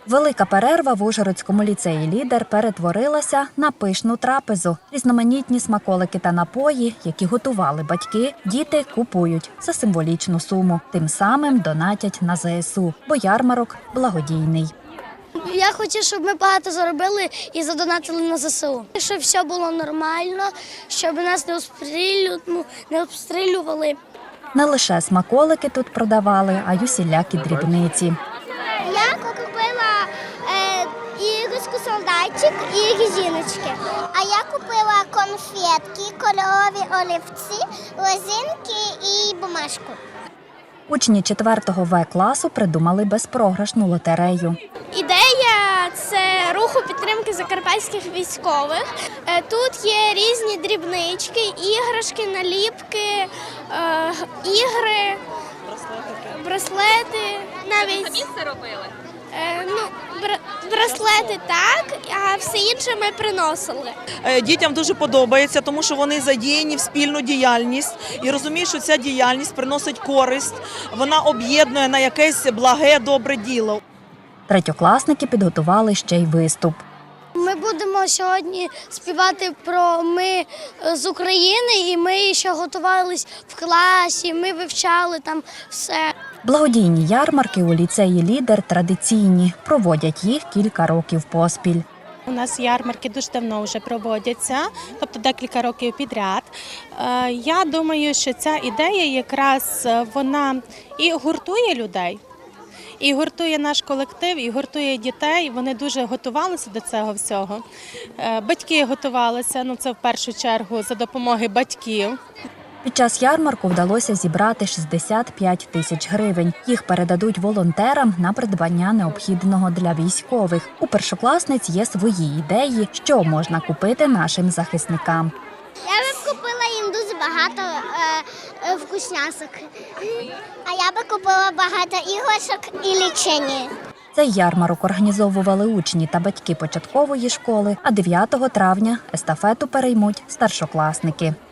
Велика перерва в Ужгородському ліцеї «Лідер» перетворилася на пишну трапезу. Різноманітні смаколики та напої, які готували батьки, діти купують за символічну суму. Тим самим донатять на ЗСУ, бо ярмарок благодійний. Я хочу, щоб ми багато заробили і задонатили на ЗСУ. Щоб все було нормально, щоб нас не обстрілювали. Не лише смаколики тут продавали, а й усілякі дрібниці. Я купила іграшку солдатчик і резиночки. А я купила конфетки, кольорові олівці, лозинки і бумажку. Учні 4-го В-класу придумали безпрограшну лотерею. Ідея – це руху підтримки закарпатських військових. Тут є різні дрібнички, іграшки, наліпки, ігри, браслети. Навіть самі це робили? Браслети так, а все інше ми приносили. Дітям дуже подобається, тому що вони задіяні в спільну діяльність і розуміють, що ця діяльність приносить користь, вона об'єднує на якесь благе, добре діло. Третьокласники підготували ще й виступ. Ми будемо сьогодні співати про «Ми з України», і ми ще готувалися в класі, ми вивчали там все. Благодійні ярмарки у ліцеї «Лідер» традиційні. Проводять їх кілька років поспіль. У нас ярмарки дуже давно вже проводяться, тобто декілька років підряд. Я думаю, що ця ідея якраз вона і гуртує людей, і гуртує наш колектив, і гуртує дітей. Вони дуже готувалися до цього всього. Батьки готувалися, це в першу чергу за допомогою батьків. Під час ярмарку вдалося зібрати 65 тисяч гривень. Їх передадуть волонтерам на придбання необхідного для військових. У першокласниць є свої ідеї, що можна купити нашим захисникам. Я би купила їм дуже багато вкусняшок. А я би купила багато іграшок і лічені. Цей ярмарок організовували учні та батьки початкової школи, а 9 травня естафету переймуть старшокласники.